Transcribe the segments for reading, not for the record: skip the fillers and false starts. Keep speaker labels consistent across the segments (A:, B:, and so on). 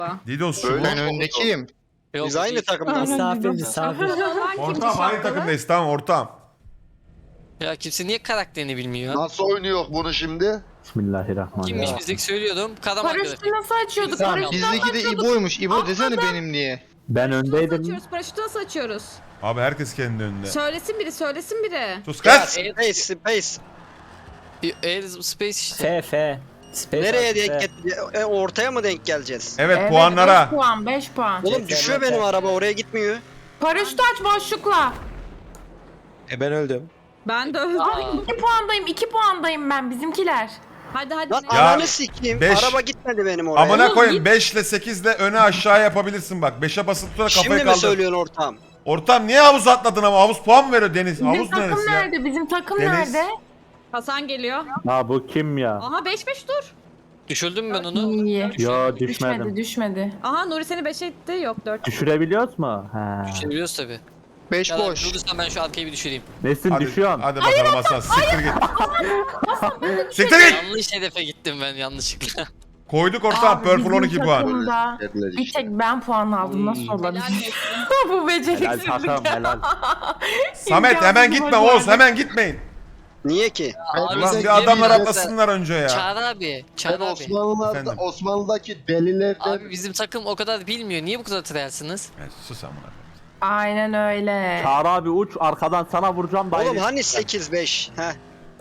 A: Didos şu bu.
B: Ben öndekiyim.
C: Yok,
D: Biz aynı takımdayız.
E: Misafir.
A: Ortağım aynı takımdayız, tamam ortağım.
C: Ya kimse niye karakterini bilmiyor?
D: Nasıl oynuyor bunu şimdi?
E: Bismillahirrahmanirrahim.
C: Kimmiş bizdeki söylüyordum. Kadaman
F: Paraşütü
C: grafik.
F: nasıl açıyorduk?
B: Tamam,
F: Paraşütü
B: bizdeki
F: nasıl
B: de
F: açıyorduk?
B: İbo'ymuş. İbo desene benim diye.
E: Ben
G: Nasıl
E: öndeydim.
G: açıyoruz? Paraşütü nasıl açıyoruz?
A: Abi herkes kendi önünde.
G: Söylesin biri, söylesin biri.
A: Sus
D: Ya
A: kaç.
D: space.
C: Air Space işte.
E: F. Space
D: Nereye
E: F.
D: denk ortaya mı denk geleceğiz?
A: Evet, puanlara.
F: 5 puan, 5 puan.
D: Oğlum düşüyor benim araba oraya gitmiyor.
F: Paraşütü aç boşlukla.
B: Ben öldüm.
G: Ben de öldüm.
F: Ay 2 puandayım, 2 puandayım ben bizimkiler.
G: Hadi
D: Lan
G: ne?
A: Ya,
D: ananı sikeyim.
A: 5.
D: Araba gitmedi benim oraya.
A: Amına
G: Oğlum,
A: koyayım,
G: git.
A: 5 ile 8 ile öne aşağı yapabilirsin bak. 5'e basıp tutarak kafayı
D: Şimdi mi
A: kaldır.
D: söylüyorsun ortağım?
A: Ortam niye havuz atladın ama? Havuz puan mı veriyor Deniz?
F: Bizim
A: Havuz
F: takım
A: neresi ya?
F: nerede? Bizim takım
A: Deniz.
F: nerede?
G: Hasan geliyor.
E: Ha bu kim ya?
G: Aha 5-5 dur.
C: Düşürdüm ben onu.
F: İyi.
E: Yo
F: Düşmedi,
E: düşmedim.
F: düşmedi.
G: Aha Nuri seni 5 etti. Yok 4.
E: Düşürebiliyoruz mu? He.
C: Düşebiliyoruz tabi.
B: 5
C: Ya
B: boş.
C: durursan ben şu arkayı bir düşüreyim.
E: Nesin
A: Hadi,
E: düşüyorsun?
A: hadi bakalım Hasan, siktir git. Siktir git.
C: Yanlış hedefe gittim ben yanlışlıkla.
A: Koyduk ortam,
F: Abi,
A: Purple
F: bizim
A: 12 puan.
F: takımda Bir tek ben puan aldım. Nasıl
G: Helal
F: olabilir?
G: olsun.
F: Bu
E: Helal
F: beceriksizlik.
E: takım helal.
A: Samet hemen gitme Oğuz, hemen gitmeyin.
D: Niye ki?
C: Abi
A: Ulan
C: sen
A: bir adamlar
C: yemin-
A: atlasınlar önce ya.
C: Çağrı abi. Çağrı
D: Ben
C: abi.
A: Efendim?
D: Osmanlı'daki delilerden
C: Abi bizim takım o kadar bilmiyor. Niye bu kadar tıryarsınız?
A: Ya sus amına.
F: Aynen öyle.
E: Çağrı abi uç arkadan sana vuracağım da.
D: Oğlum hani 8-5? Heh.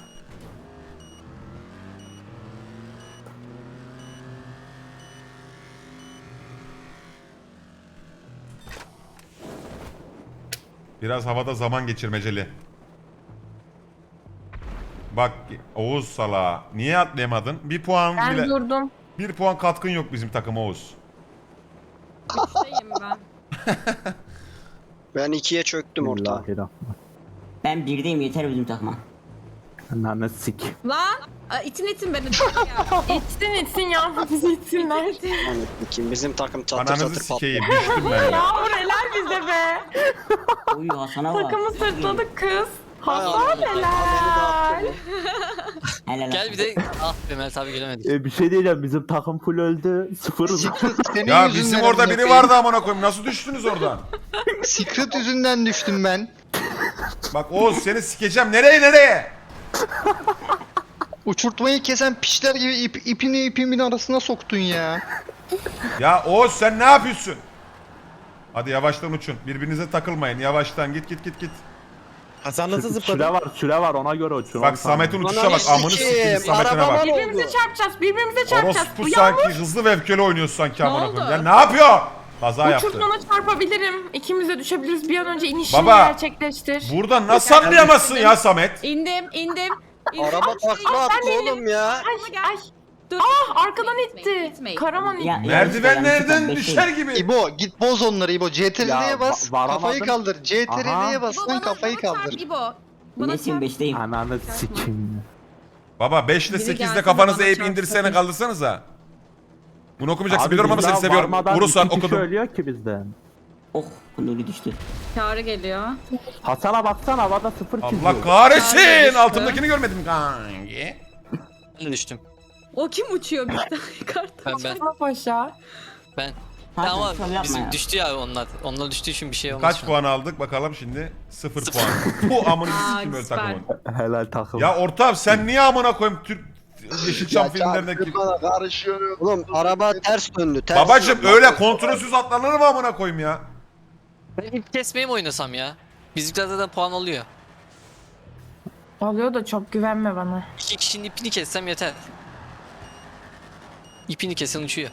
A: Biraz havada zaman geçirmeceli. Bak Oğuz sala. Niye atlayamadın? Bir puan
F: Ben
A: bile.
F: durdum.
A: Bir puan katkın yok bizim takıma Oğuz.
G: 3'teyim ben.
D: Ben 2'ye çöktüm ortağa.
E: Bismillahirrahmanirrahim.
H: Ben birdeyim yeter bizim takıma.
E: Ananı sik.
G: Lan. İtin beni. Ya.
F: İçsin ya. Bizi içsinler.
D: Hani kim bizim takım çatır
A: Ananızı
D: çatır patladı.
A: sikeyim. Düştüm ben ya.
F: Yağmur helal bize be.
H: Oy Hasan'a bak.
F: Takımı sırtladık kız.
D: Hay
F: Hasan
D: Allah,
F: helal.
D: beni de attı
H: Helal
C: Gel
H: olsun.
C: bir de ah be Mert abi gelemedik.
E: Bir şey diyeceğim bizim takım full öldü. Sıfırız.
B: Senin
A: Ya
B: yüzünden
A: bizim orada
B: amına
A: biri
B: koyayım.
A: vardı amına koyayım. Nasıl düştünüz oradan?
B: Secret yüzünden düştüm ben.
A: Bak Oğuz seni sikeceğim. Nereye?
B: Uçurtmayı kesen piçler gibi ipini ipimin arasına soktun ya.
A: Ya Oğuz sen ne yapıyorsun? Hadi yavaştan uçun. Birbirinize takılmayın. Yavaştan git.
B: Hasan nasıl
E: Süre var ona göre uçun.
A: Bak Samet'in uçuşa bak.
D: Ananı
A: Amını sikeyim
D: sikeyim,
A: Samet'ine
D: arabama
A: bak.
D: ne oldu?
F: Birbirimize çarpacağız. Birbirimize çarpacağız.
A: Orospu
F: Bu
A: sanki
F: yağmur.
A: hızlı ve öfkeli oynuyorsun sanki amına
G: oldu?
A: koyayım. Ya ne yapıyor? Kaza yaptı.
F: Uçurtmana çarpabilirim. İkimiz de düşebiliriz. Bir an önce inişini
A: Baba,
F: gerçekleştir.
A: Buradan nasıl anlayamazsın ya Samet?
G: İndim.
D: Araba takla attı oğlum ya.
F: Ay.
G: Dur.
F: Arkadan itti. Karaman itti.
H: Ya-
A: Merdivenlerden
H: yanlışlıkla
A: düşer
H: beşeyim.
A: gibi.
B: İbo git boz onları İbo.
E: Ya,
B: CTRL'ye bas.
E: varamadım.
B: Kafayı kaldır. CTRL'ye bas lan kafayı kaldır.
G: İbo. Bana
H: Nesin
G: çarp.
H: 5'teyim.
E: Ananı sikeyim.
A: Baba 5 ile
G: Biri
A: 8'de
G: gelse
A: kafanızı
G: bana
A: eğip
G: çarpsın.
A: indirsene kaldırsanıza. Bunu okumayacaksın
E: Abi
A: biliyorum ama seni
E: bizden
A: seviyorum.
E: varmadan
A: Vurursan
E: iki kişi
A: okudum.
E: ölüyor ki bizden.
H: Oh Nuri düştü.
G: Çağrı geliyor.
E: Hasan'a baksana havada 0 çiziyor.
A: Allah kahretsin.
G: Abi,
A: Altımdakini görmedim kanki.
C: Ben de düştüm.
G: O kim uçuyor bir tane kart?
C: Ben.
F: Hasan Paşa.
C: Ben.
H: Hasan
C: Ama
H: şov yapma
C: bizim
H: ya.
C: düştü ya onlar. Onlar düştüğü için bir şey olmaz.
A: Kaç puan aldık bakalım şimdi? 0 puan. Bu amını
G: Aa,
A: sikim öyle
G: süper.
A: takımın.
E: Helal takım.
A: Ya ortam sen niye amına koyayım Türk Yeşilçam filmlerindeki.
D: Karışıyor. Oğlum araba ters döndü. Ters
A: Babacım
D: döndü.
A: öyle kontrolsüz atlanır mı amına koyayım ya?
C: Ben ip kesmeye mi oynasam ya? Bizimkilerde de puan alıyor.
F: Alıyor da çok güvenme bana.
C: 2 kişinin ipini kessem yeter. İpini kesen uçuyor.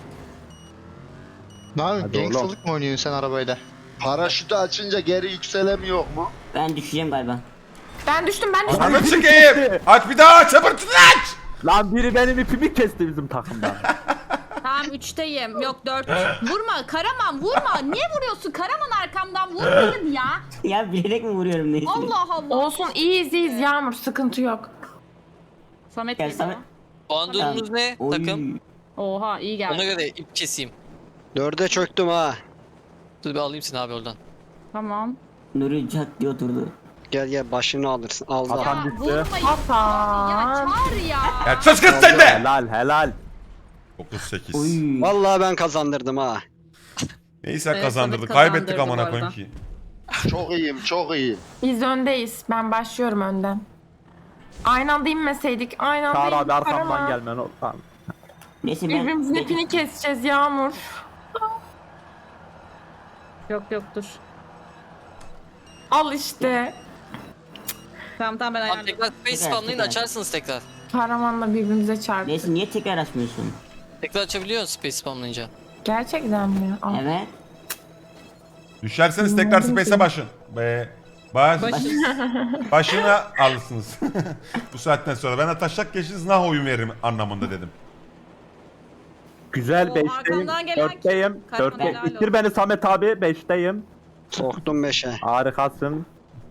B: Ne yapıyorsun?
E: Hadi oğlum.
B: Gangstalık mı oynuyorsun sen arabayla?
D: Paraşütü açınca geri yükselemiyor mu?
H: Ben düşeceğim galiba.
F: Ben düştüm.
A: Ananı sikeyim. Aç bir daha çabırtın aç.
E: Lan biri benim ipimi kesti bizim takımdan.
G: Tamam 3'teyim. Yok 4. Vurma Karaman vurma. Niye vuruyorsun? Karaman arkamdan vurmayın ya.
H: Ya bilerek mi vuruyorum neyse.
G: Allah Allah.
F: Olsun iyiyiz Yağmur. Sıkıntı yok.
G: Samet
H: Gel
G: geliyor.
H: Samet.
C: Puan durumumuz ne
H: Oy.
C: takım?
G: Oha iyi
C: Ona
G: geldi.
C: göre ip keseyim.
D: 4'e çöktüm ha.
C: Dur bir alayım seni abi oradan.
G: Tamam.
H: Nuri cat diye oturdu.
D: Gel başını alırsın. Al da.
E: Hasan
G: Ya
E: düştü.
G: vurmayın. Ya
F: Hasan.
G: çağır ya.
A: Ya sus kız sen de.
E: Helal helal.
A: 9-8.
H: Oy.
D: Vallahi ben kazandırdım ha.
A: Neyse
G: Evet,
A: kazandırdık.
G: Samet
A: Kaybettik
G: kazandırdı
A: amına
G: bu
A: koyayım
G: arada.
A: ki.
D: Çok iyiyim, çok iyiyim.
F: Biz öndeyiz. Ben başlıyorum önden. Aynı anda inmeseydik. Aynı anda
E: Çağrı abi
F: indik
E: arkamdan
F: Karaman.
E: gelmen o. Tamam.
H: Neyse ben...
F: Birbirimizin ipini keseceğiz Yağmur.
G: Yok dur.
F: Al işte.
G: Tamam ben
C: Abi
G: ayarladım.
C: tekrar space spamlayın açarsınız tekrar.
F: Karamanla birbirimize çarptık.
H: Neyse niye tekrar açmıyorsun?
C: Tekrar açabiliyorsun space spamlayınca.
F: Gerçekten mi? Al.
H: Evet.
A: Düşerseniz tekrar space'e başın. Baş.
G: Başız.
A: Başına alırsınız. Bu saatten sonra. Ben de taşak geçiniz nah oyun veririm anlamında dedim.
E: Güzel
G: O
E: 5'teyim.
G: arkamdan gelen
E: 4'teyim.
G: Karaman helal
E: 4'te. İttir beni Samet abi 5'teyim.
D: Soktum 5'e.
E: Harikasın.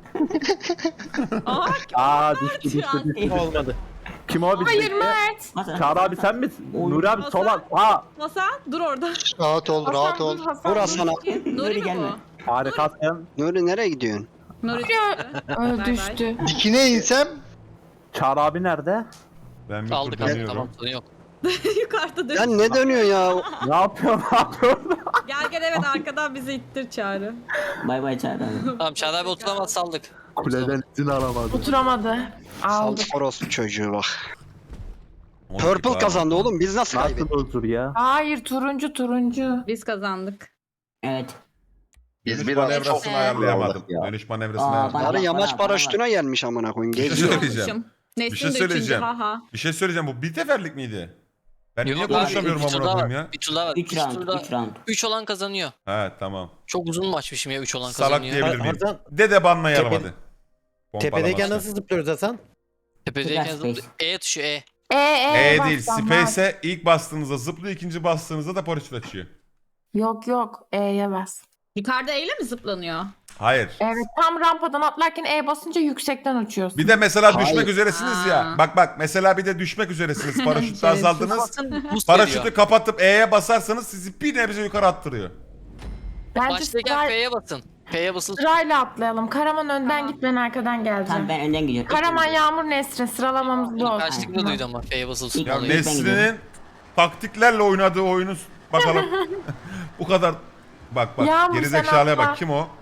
G: Aa,
E: Aa düştü.
I: Olmadı.
E: Kim o bizim?
F: Hayır Mert.
H: Hasan,
E: Çağrı abi sen misin?
H: Oy.
E: Nuri abi
G: Hasan.
E: sola. Aa
G: Hasan dur orada.
B: Rahat ol, rahat
F: Hasan
B: ol.
F: dur Hasan.
D: Vur Hasan'a.
G: Nuri mi
H: gelme.
G: bu?
E: harikasın.
D: Nuri nereye gidiyorsun?
G: Nuri
F: Öl düştü.
B: Dikine insem
E: Çağrı abi nerede?
A: Ben bir
C: Aldık
A: kurtarıyorum.
C: tamam sorun yok.
G: yukarıda dön.
D: Sen ne dönüyorsun ya?
E: Ne yapıyorsun? Ne yapıyorsun?
G: Gel evet arkadan bizi ittir Çağrı.
H: Bay bay Çağrı abi.
C: Tamam Çağrı abi oturamaz saldık.
E: Kuleden izin alamadım.
F: Oturamadı. Aldı.
D: Saldık orospu çocuğu bak.
A: On
D: Purple
A: dakika
D: kazandı oğlum. Biz nasıl
E: Nasıl
D: kaybettik?
E: huzur ya?
F: Hayır turuncu.
G: Biz kazandık.
H: Evet.
A: Dönüş manevrasını ayarlayamadım. Dönüş manevrasını
H: Aa,
A: ayarlayamadım.
H: bak-
D: Sarı yamaç
H: bana-
D: paraşütüne gelmiş amına koyayım.
A: Bir şey
D: Geziyor.
A: söyleyeceğim.
G: Olmuşum.
A: Bir
G: Nesin
A: şey
G: de üçüncü,
A: söyleyeceğim.
G: haha.
A: Bir şey söyleyeceğim. Bu bir seferlik miydi? Ben niye
C: abi,
A: konuşamıyorum
C: üç tur
A: amına
C: daha
A: koyayım
C: var.
A: ya?
C: Bir tur daha var.
H: 3
C: Üç
H: round.
C: turda
H: 3 round.
C: 3 olan kazanıyor.
A: He tamam.
C: Çok uzun maçmışım ya 3 olan
A: Salak
C: kazanıyor.
A: diyebilir miyim?
I: Hasan-
A: Dede banlayalım
I: Tepe-
A: hadi.
I: Tepedeyken
A: Pompalamasına.
I: nasıl zıplıyoruz Hasan?
C: Tepedeyken
H: Tekrar space.
C: E tuşu E.
A: Değil. Space'e ilk bastığınızda zıplıyor, ikinci bastığınızda da paraşüt açıyor.
F: Yok E'ye bas.
G: Yukarıda eyle mi zıplanıyor?
A: Hayır.
F: Evet tam rampadan atlarken E basınca yüksekten uçuyorsun.
A: Bir de mesela
D: Hayır.
A: düşmek üzeresiniz ya.
G: Aa.
A: Bak mesela bir de düşmek üzeresiniz. Paraşütle azaldınız.
C: Basın boost
A: Paraşütü
C: veriyor.
A: kapatıp E'ye basarsanız sizi bir nebze yukarı attırıyor.
F: Bence
C: Baştayken F'ye basın. F'ye basılı tut.
F: sırayla atlayalım. Karaman önden git ben arkadan geleceğim.
H: Tamam ben önden gidiyorum.
F: Karaman Yağmur Nesrin sıralamamız bu olsun.
C: Kaçlıkla duydum ama F'ye basılı
H: İlk
A: Ya
H: oluyor, ben
A: Nesrin'in
H: gidiyorum.
A: taktiklerle oynadığı oyunu bakalım. Bu kadar. Bak
F: Yağmur,
A: gerizekalıya
F: sen
A: bak
F: atla.
A: kim o?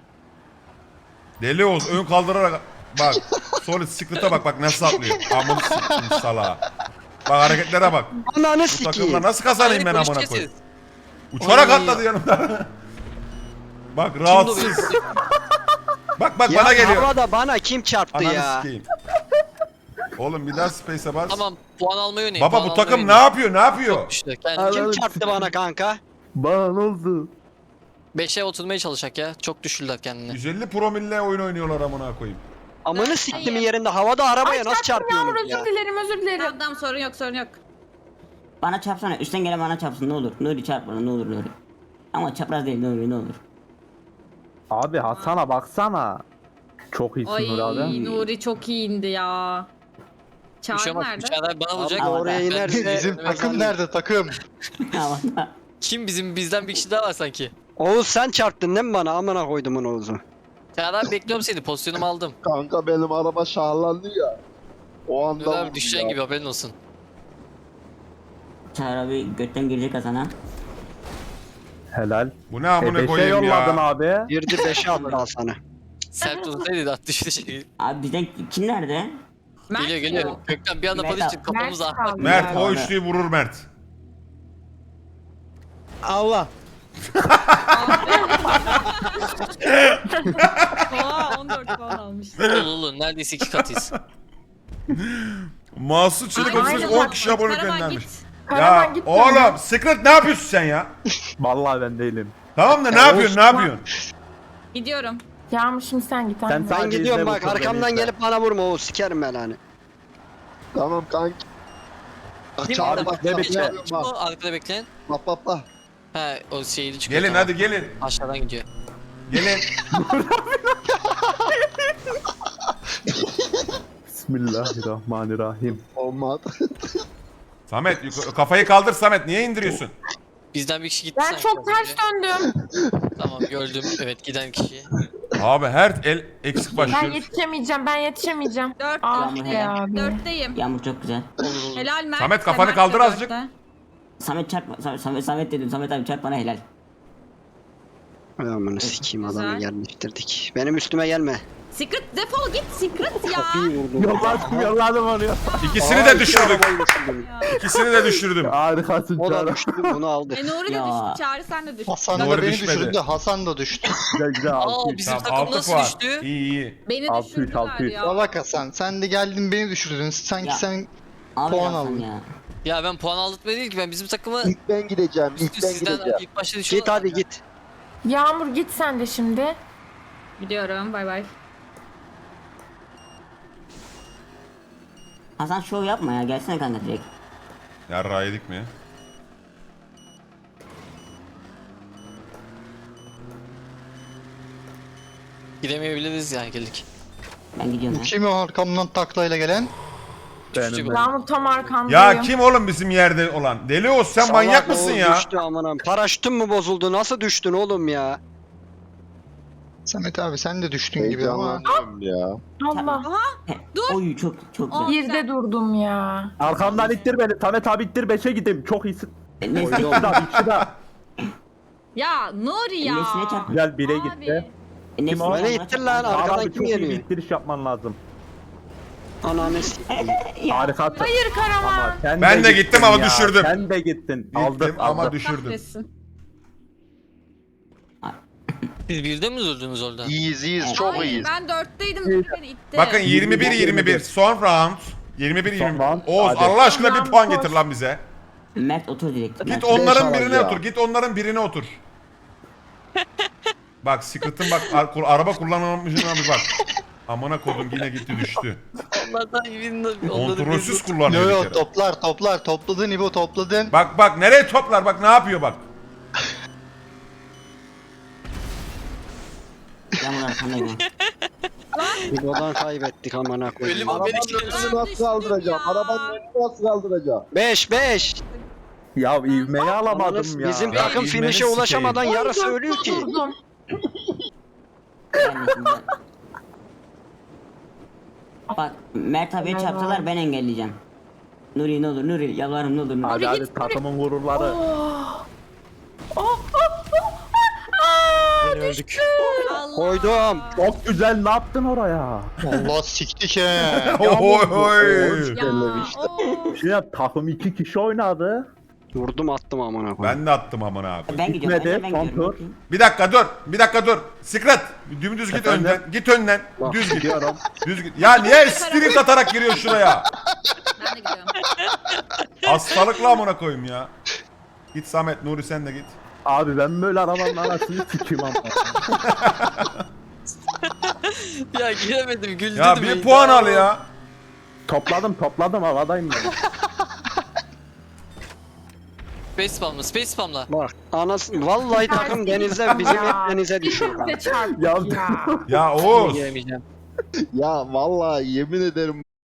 A: Deli Oğuz ön kaldırarak bak solid secret'a bak nasıl atlıyor. Amını sikeyim salağa. Bak hareketlere bak.
D: Ananı
A: Bu takımla
D: sikeyim.
A: nasıl kazanayım ben
C: Hayır,
A: amına
C: polis
A: koyayım.
C: keseriz.
A: Uçarak
C: Oy.
A: atladı yanımda. Bak
C: Kim
A: rahatsız.
C: bu benim?
A: Bak
D: Ya
A: bana geliyor.
D: havada bana kim çarptı
A: Ananı
D: ya?
A: sikeyim. Oğlum bir daha space'e bas.
C: Tamam puan almayı oynayın.
A: Baba
C: puan
A: bu
C: almayı
A: takım ne
C: oynayın.
A: yapıyor? Ne yapıyor?
C: Çok güçlü. Kendi
D: Kim çarptı bana kanka?
E: Bana ne oldu?
C: 5'e oturmaya çalışacak ya. Çok düşürdüler kendini.
A: 150 promille oyun oynuyorlar amına koyayım.
D: Amını siktimin yerinde havada arabaya nasıl
F: çarptım Yağmur
D: çarpıyorsunuz ya?
F: özür dilerim.
G: Tamam sorun yok.
H: Bana çarpsana. Üstten gelen bana çarpsın ne olur. Nuri çarp bana ne olur Nuri. Ama çapraz değil Nuri ne olur.
E: Abi Hasan'a baksana. Çok iyisin
G: Ay
E: Nuri abi.
G: Nuri çok iyi indi ya.
C: Bir şey
G: Çağrı
C: olmaz.
G: nerede?
C: Çağrı bana vuracak.
H: Abi,
D: oraya
C: Ben-
D: inerse-
B: bizim takım nerede takım?
H: Havada.
C: Kim bizden bir kişi daha var sanki.
D: Oğuz sen çarptın değil mi bana? Amına koydumun Oğuz'u.
C: Çağrı abi bekliyorum seni. Pozisyonumu aldım.
D: Kanka benim araba şahlandı ya. O anda
C: Dur abi düşeceğin gibi haberin olsun.
H: Çağrı abi götten girecek Hasan'a.
E: Helal.
A: Bu ne amına
E: 5'e
A: koyayım
E: yolladın
A: ya.
E: abi.
D: Girdi 5'e attı Hasan'ı.
C: Sert tutsaydı da düştü şey.
H: Abi bizden kim nerede?
G: Mert
C: Geliyor.
G: mi?
C: Gökten bir anda
H: Mert
C: polis
H: abi.
C: çıktı kafamıza.
F: Mert kaldı.
A: Mert o
H: Abi.
A: üçlüyü vurur Mert.
I: Allah.
G: Oha 14 puan almış.
C: Olur neredeyse 2 katıyız.
A: Mahsus Çelik
G: Ay,
A: 38
G: aynen
A: 10
G: bak,
A: kişi abonelik
G: Karaman
A: göndermiş.
G: git.
F: Karaman
A: Ya
F: git.
A: oğlum Secret ne yapıyorsun sen ya?
E: Vallahi ben değilim.
A: Tamam da ne yapıyorsun ne yapıyorsun?
G: Gidiyorum.
F: Yağmur şimdi sen git.
E: Sen
F: anne.
D: Ben
E: Sadece
D: gidiyorum
E: izle
D: bak
E: bu turları,
D: arkamdan
E: izle.
D: gelip bana vurma Oğuz sikerim ben hani. Tamam kanki.
C: Kim
E: Abi,
C: orada?
E: bekle,
C: Kim
E: bekle.
C: Kim o arkada bekleyen?
D: Bak.
C: He o şeyli çıkıyor.
A: Gelin
C: tamam.
A: hadi gelin.
C: Aşağıdan gidiyor.
A: Gelin.
E: Bismillahirrahmanirrahim.
D: Olmadı.
A: Samet kafayı kaldır Samet niye indiriyorsun?
C: Bizden bir kişi gitti
F: Ben
C: sanki
F: çok
C: az
F: ters
C: önce.
F: döndüm.
C: Tamam gördüm. Evet giden kişi.
A: Abi her el eksik
F: Ben
A: başlıyoruz.
F: yetişemeyeceğim.
G: 4
F: Ah
H: Yağmur
F: be
H: helal.
F: abi.
G: 4'teyim.
H: Yağmur çok güzel.
C: Olur olur.
G: Helal Mert.
A: Samet, kafanı
G: Mert de
A: kaldır azıcık.
G: dörtte.
H: Samet çarpma. Samet dedim. Samet abi çarp bana helal.
D: Ay amına sikeyim
G: Güzel.
D: adamı yerleştirdik. Benim üstüme gelme.
G: Secret defol git Secret ya.
D: Kapıyı vurdum.
E: Yolladım onu ya.
A: İkisini de düşürdük.
D: Arabayı düşürdüm.
A: İkisini de düşürdüm.
E: Harikasın
D: O da
E: Çağrı.
D: düştü, bunu aldı.
G: Nuri de
H: Ya.
G: düştü. Çağrı sen de düştün.
B: Hasan da
A: Nuri
B: beni
A: düşmedi.
B: düşürdü. Hasan da düştü.
E: Güzel güzel
C: Aa
E: 600.
C: bizim
A: Tamam,
C: takım
A: 6
C: nasıl
A: puan.
C: düştü?
A: İyi iyi.
G: Beni
E: 600,
G: düşürdüler
E: 600.
G: ya.
B: Salak Hasan. Sen de geldin beni düşürdün. Sanki
H: Ya.
B: sen
H: Abi
B: Puan
H: Hasan
B: aldın.
H: ya.
C: Ya ben puan aldırtmaya değil ki ben bizim takımı
D: İlk ben gideceğim.
C: sizden ilk başta
D: Git
C: düşürdüm.
D: hadi git.
F: Yağmur git sen de şimdi.
G: Gidiyorum bay bay.
H: Hasan şov yapma ya. Gelsene kanka direkt.
A: Yarrağı yedik mi?
C: Gidemeyebiliriz yani geldik.
H: Ben gidiyorum ya.
B: kim o arkamdan taklayla gelen?
E: Benim.
F: Yağmur tam arkandayım.
A: Ya kim oğlum bizim yerde olan? Deli Oğuz sen manyak
D: Salak
A: mısın
D: oğlum,
A: ya?
D: Düştü amanam. Paraşütün mü bozuldu? Nasıl düştün oğlum ya?
B: Samet abi sen de düştün gibi ama.
F: Allah.
H: Oy çok çok güzel.
F: Birde durdum ya.
E: Arkamdan ittir beni. Samet abi ittir 5'e gideyim. Çok iyisin.
H: Nesne,
E: İkisi de ikisi de.
G: Ya Nuri ya.
H: nesne çarp.
E: Güzel 1'e
G: Abi.
E: gitti.
H: Nesne
E: o?
H: bana
D: Beni ittir
H: çarp.
D: lan, arkadan
E: Abi
D: kim
E: çok iyi bir
D: geliyor?
E: ittiriş yapman lazım.
D: Ananı sikeyim.
E: Harikasın.
F: Hayır Karaman.
E: Ama sen
A: Ben de
E: gittin
A: gittim ama
E: ya.
A: düşürdüm.
E: Sen de gittin.
A: Gittim
E: Aldım
A: ama
E: aldım.
A: düşürdüm.
G: Kahretsin.
C: Siz birde mi durdunuz orada?
B: İyiyiz çok
G: Ay,
B: iyiyiz.
G: ben 4'teydim. Beni itti.
A: Bakın 21-21 son round. 21-21.
E: Son round,
A: Oğuz
E: hadi.
A: Allah aşkına bir
F: Tamam,
A: puan
F: koş.
A: getir lan bize.
H: Mert otur direkt.
A: Git
H: Mert.
A: onların birine otur. Git onların birine otur. Bak Secret'ın bak araba kullanmamışına bir bak. Amına kodum yine gitti düştü.
C: Onlardan birinde
A: Kontrolsüz kullanıyor
B: Yo
A: bir
B: yo
A: kere.
B: toplar topladın İbo topladın.
A: Bak nereye toplar bak ne yapıyor bak.
H: Yağmur arkandayım.
D: İbo'dan kaybettik amına koyayım.
C: Ölüm haberi
G: Nasıl kaldıracağım? Arabanın
D: nasıl kaldıracağım? 5.
E: Ya ivmeyi alamadım ya.
D: Bizim
A: Ya
D: takım
A: ivmeni
D: finish'e
A: sikeyim.
D: ulaşamadan yarısı ölüyor ki.
F: Durdum.
H: Ben de şimdi- Bak Mert abiye çarptılar ben engelleyeceğim. Nuri ne olur Nuri yalvarırım ne olur Nuri.
E: Hadi hadi takımın gururları.
I: Yine öldük.
D: Koydum.
E: Çok güzel ne yaptın oraya?
B: Allah siktik he.
A: Oy oy.
G: Ya. Oo.
E: Şimdi takım 2 kişi oynadı.
D: Vurdum attım amına koyayım.
A: Ben de attım amına abi.
H: Ben gidiyorum
E: Gitmedi,
H: ben
E: son
H: gidiyorum.
E: tur.
A: Bir dakika dur. Secret. Dümdüz git
E: Efendim?
A: önden. Git önden.
D: Bak,
A: Düz git.
E: Gidiyorum.
A: Düz git. Ya niye sprint atarak giriyor şuraya?
G: Ben de gidiyorum.
A: Hastalıkla amına koyayım ya. Git Samet, Nuri sen de git.
E: Abi ben böyle arabanın anasını sikeyim ama.
C: Ya giremedim güldüm.
A: Ya bir puan al ya.
E: Topladım havadayım ben.
C: Space spamla space spamla.
D: Bak anasını vallahi takım denizde bizim hep denize düşüyor.
F: İkimiz de çarptık
E: Ya-
F: ya.
A: Ya Oğuz.
C: Giremeyeceğim.
J: Ya vallahi yemin ederim